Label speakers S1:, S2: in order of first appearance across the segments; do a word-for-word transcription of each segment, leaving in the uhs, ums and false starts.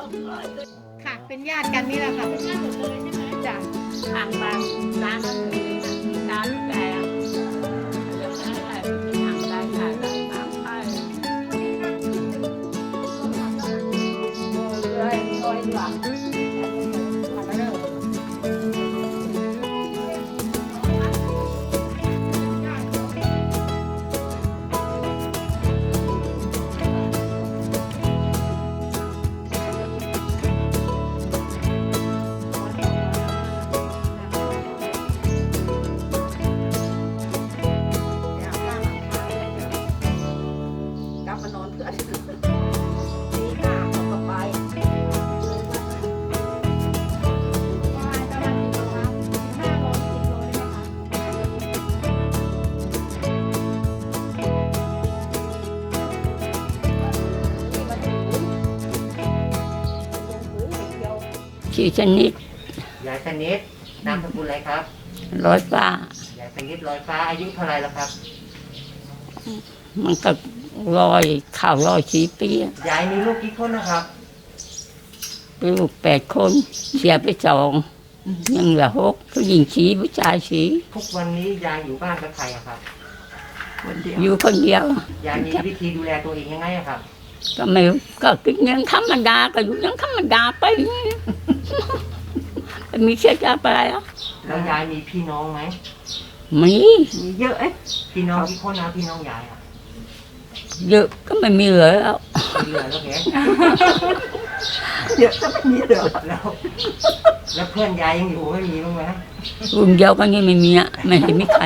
S1: ค่ะเป็นญาติกันนี่แหละค่ะเป็นญาติหมดเลยใช่ไหมจ้ะ
S2: ทางบ้านร้านนั้นเลยมีร้านแกงเรื่องอะไรเป็นทางได้ขายได้ตามไปเลยลอยหลัง
S3: ชื่อชนิด
S4: ยายสนิทนามสกุลอะไรครับ
S3: ร้อยฟ้าย
S4: ายสนิทลอยฟ้าอายุเท่าไรแล้วครับ
S3: มันก็ลอยข่าวลอยสีปี
S4: ยายมีลูกกี่คนนะครับ
S3: ลูกแปดคนเสียไปสองยังเหลือหกผู้หญิงสีผู้ชายสี
S4: ทุกวันนี้ยายอยู่บ้านกับใครอะครับ
S3: อยู่คนเดียวย
S4: ายมีวิธีดูแลตัวเองยังไงอะครับ
S3: ก็ไม่ก็กินยังธรรมดาก็อยู่ยังธรรมดาไปมีเชื้อชาติอะไรอ่ะ
S4: แล้วยายมีพี่น้องไหม
S3: มี
S1: มีเยอะเอ๊ะ
S4: พี่น้องกี่คนนะพี่น้องยายอะ
S3: เยอะก็ไม่มีเหลือแล้ว
S4: เหลือแล้วแก
S1: เยอะก็ไม่มีเหลือ
S4: แล้วแล้วเพื่อนยายยังอยู่ไม่มีบ้างไหม
S3: รุ่นเดียวกันนี่ไม่มีอ่ะไม่เห็นมีใคร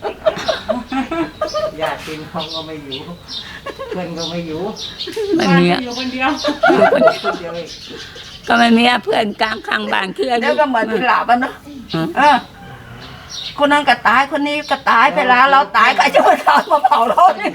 S4: ญาติพี่น้องก็ไม่อยู่เพื่อนก็ไม่อยู่
S3: ไม่มีอ่ะ
S1: อยู่คนเดียว
S4: อยู่คนเดียวเอง
S3: ก็ไม่มีเพื่อนกลางข้างบ้านคือ
S1: แล้วก็เหมือนพิลาบเนาะเออคนนั้นก็ตายคนนี้ก็ตายไปแล้วเราตายใครจะมาทำมาเผาเราเนี่ย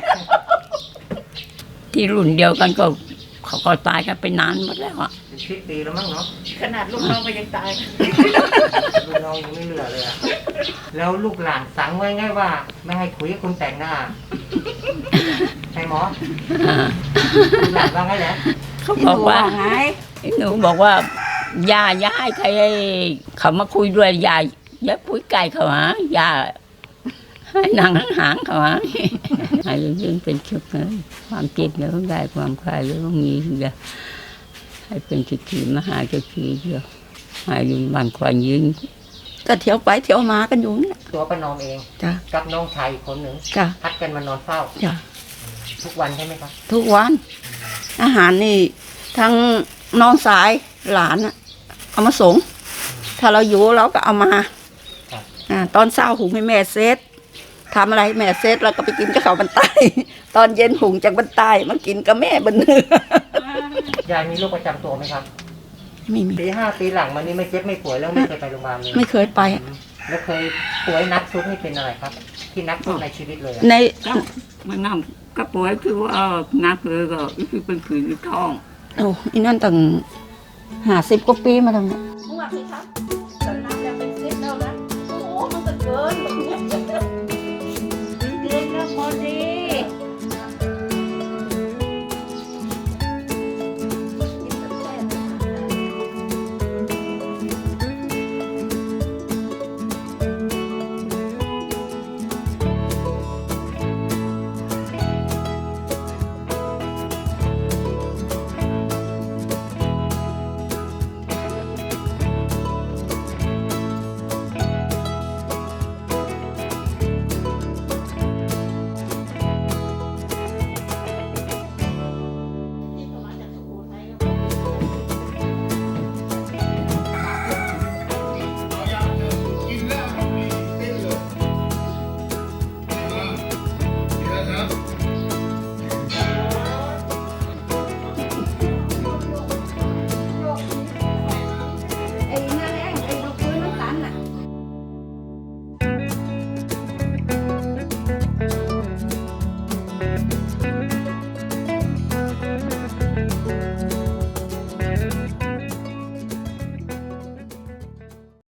S3: ที่รุ่นเดียวกันก็เขาก็ตายกันไปนานหมดแล้วอ่ะ
S4: สิบปีแล้วมั้งเนาะ
S1: ขนาดลูกน้องก็ยังตาย
S4: ลูกน้องยังไม่เหลือเลยอะแล้วลูกหลานสั่งไว้ไงว่าไม่ให้คุยกับคนแต่งหน้าใช่หมอลูกหลานว่าไงแหละ
S3: เขาบอกว่าไงหนูบอกว่าอย่าอย่าให้ใครเขามาคุยด้วยอย่าอย่าพูดไกลเขาหาอย่าให้นางหางเขาหาให้เรื่องเป็นชุดเลยความเจ็บแล้วได้ความคลายแล้วมีเดียวให้เป็นจุดที่มหาจุดที่เดียวให้ยืนบันควายยืนก็เที่ยวไปเที่ยวมากันอยู่นี่
S4: ตัวป้านอมเอง
S3: จ้ะ
S4: กับน้องชายอีกคนหนึ่ง
S3: จ้ะ
S4: พัดกันมานอนเฝ้า
S3: จ้ะ
S4: ทุกวันใช่ไหมครับ
S3: ทุกวันอาหารนี่ทั้งน้องสายหลานอะเอามาส่งถ้าเราอยู่เราก็เอามาอ่าตอนเช้าหุงให้แม่เซตทำอะไรแม่เซตเราก็ไปกินกับเขาบรรใต้ตอนเย็นหุงจากบรรใต้มากินกับแม่บนเนื้
S4: อยายมีโรคประจำตัวไหมครับ
S3: ไม่มี
S4: ปีห้าปีหลังมานี้ไม่เจ็บไม่ป่วยแล้วไม่เคยไปโรงพยาบาลเลย
S3: ไม่เคยไป
S4: แล้วเคยป่วยนักสุดนี่เป็นอะไรครับที่นักสุดในชีวิตเลย
S3: ในมันนั่งก็ป่วยคือว่านักเลยก็คือเป็นผื่นท้องโอ้อีนั่นตั้งห้าสิบกว่าปีมาแล้วเนี่ย
S1: มึงว่าสิครับตอนนั้นยังเป็นซิปแล้วนะโอ้มันก็เกิน